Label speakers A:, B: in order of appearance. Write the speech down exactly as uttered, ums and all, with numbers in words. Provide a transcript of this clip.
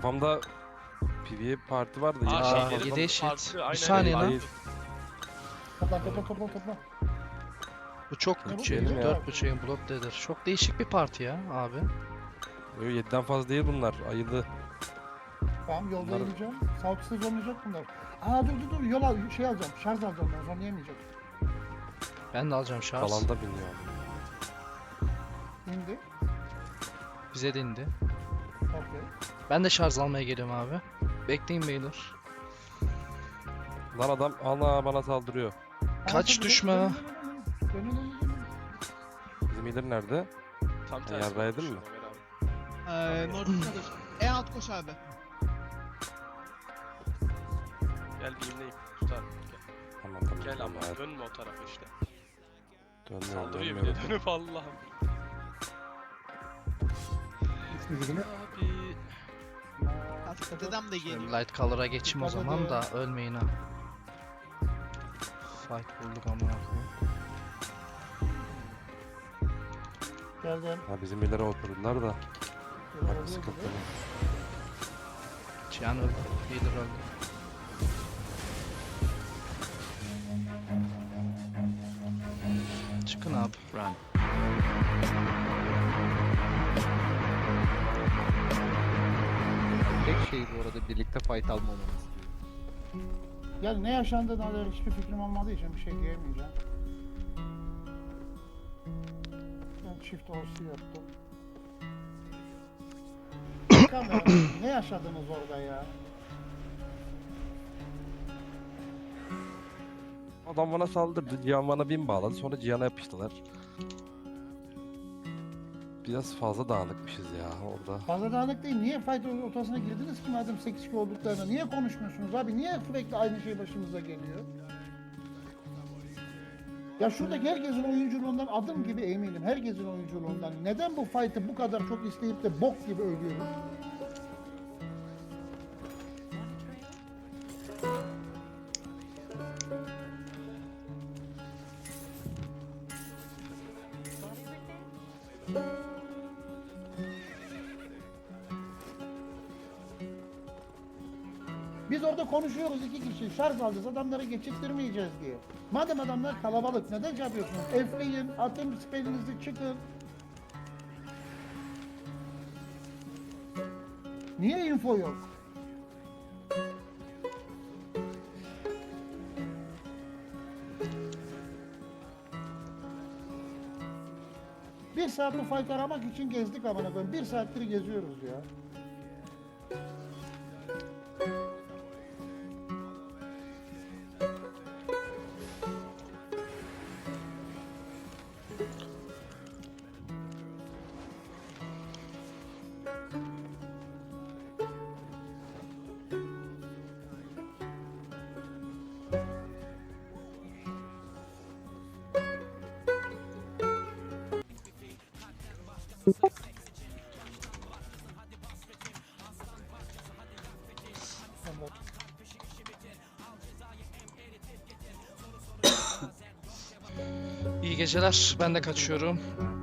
A: Kafamda P V P parti vardı.
B: Aa,
A: yedi
B: şeyleri
A: fazla-
C: yedi eşit.
B: farklı, aynen
C: Bir saniye
B: öyle.
C: lan.
A: Hayır.
D: Topla topla topla topla.
C: Bu çok
D: Çabuk
C: bütçeli.
A: gidelim ya.
C: dört bütçenin blok dedir. Çok değişik bir parti ya abi.
A: Yo, yediden fazla değil bunlar. Ayılı.
D: Tamam yolda
A: Bunlar-
D: yürüyeceğim. Sağlıksız zorlayacak bunlar. Aa dur dur dur yol al şey alacağım. Şarj alacağım ben zorlayamayacak.
C: Ben de alacağım şarj.
A: Alanda biniyor.
D: İndi.
C: Bize de indi.
D: Okey.
C: Ben de şarj almaya geliyorum abi. Bekleyin beyler.
A: Lan adam ana bana saldırıyor.
C: Kaç
D: Aa, dur,
C: düşme.
D: dön, dön, dön, dön, dön, dön, dön, dön.
A: Bizim iyiler nerede?
B: Tam
A: Ha,
B: tersi.
A: yarrağı yedin
B: olmuş
A: mi?
B: Ömer abi.
E: Ee, Nordic En alt koş abi.
B: Gel bir imleyip tutar. Gel,
A: Tamam tamam.
B: Gel
A: tamam,
B: ama
A: evet.
B: dönme o tarafa işte.
A: Dönmüyorum
B: Saldırıyor bir
A: dönmüyorum.
B: de dönüp Allah'ım. Abi.
E: Dedem de geliyor.
C: Light color'a geçeyim o
D: Dikkat
C: zaman
D: edin.
C: da ölmeyin ha. Fight bulduk amına koyayım.
D: Geldim.
A: Ha bizim ileri oturdular da.
D: Yol
A: Bak
D: alıyor
A: sıkıntı.
D: gibi.
C: Cihan öldü. Healer öldü. Çıkın abi. Run.
F: Tek şey bu arada birlikte fight almamamız.
D: Ya ne yaşandığına dair hiçbir fikrim olmadığı için bir şey diyemeyeceğim. Ben çift orsi yaptım. Kamera, ne yaşadınız orada ya?
A: Adam bana saldırdı. Cihan bana bin bağladı. Sonra Cihan'a yapıştılar. Biraz fazla dağınıkmışız ya orada.
D: Fazla dağınık değil. Niye fight ortasına girdiniz ki madem sekiz kişi olduklarında? Niye konuşmuyorsunuz abi? Niye sürekli aynı şey başımıza geliyor? Ya şuradaki herkesin oyunculuğundan adım gibi eminim. Herkesin oyunculuğundan. Neden bu fight'ı bu kadar çok isteyip de bok gibi ölüyoruz? Biz orada konuşuyoruz iki kişi şarj alacağız adamları geçirttirmeyeceğiz diye. Madem adamlar kalabalık neden şey yapıyorsunuz? F'leyin, atın spellinizi çıkın. Niye info yok? Bir saat bu fight aramak için gezdik amına koyayım. Bir saattir geziyoruz ya.
C: İyi geceler. Ben de kaçıyorum.